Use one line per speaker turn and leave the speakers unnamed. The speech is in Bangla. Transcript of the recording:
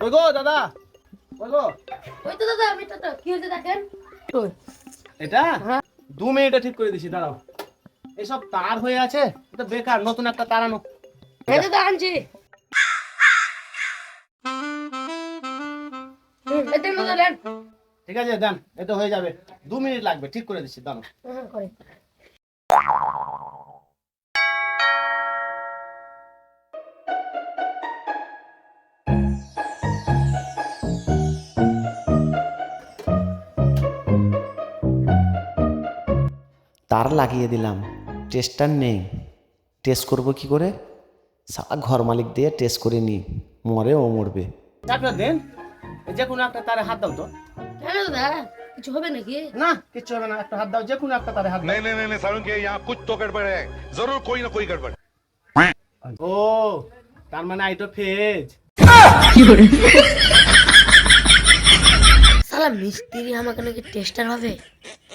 কই গো দাদা, কই গো?
ওই তো দাদা মিটারটা কি হয়েছে দেখেন।
এটা
হ্যাঁ।
2 মিনিটে ঠিক করে দিছি, দাঁড়াও। এসব তার হয়ে আছে, এটা বেকার, নতুন একটা তার আনো।
এই দাদা আনছি। এটা দাদা নেন।
ঠিক আছে দেন, এটা হয়ে যাবে, 2 মিনিট লাগবে, ঠিক করে দিচ্ছি, দাঁড়াও।
হ্যাঁ করে।
তার লাগিয়ে দিলাম, টেস্টার নেই, টেস্ট করব কি করে? সারা ঘর মালিক দিয়ে টেস্ট করে নি, মরে ও মরবে।
ডাক্তার দেন, যে কোনো একটা তারে হাত দাও তো।
কেন দাদা কিছু হবে নাকি?
না কিচ্ছু হবে না, একটা হাত দাও, যে কোনো একটা তারে হাত দাও।
नहीं नहीं नहीं नहीं सारुण के यहाँ कुछ तो गड़बड़ है, जरूर कोई ना कोई गड़बड़।
ও তার মানে আইটো ফেজ।
শালা মিস্ত্রি আমাকে নাকি টেস্টার হবে।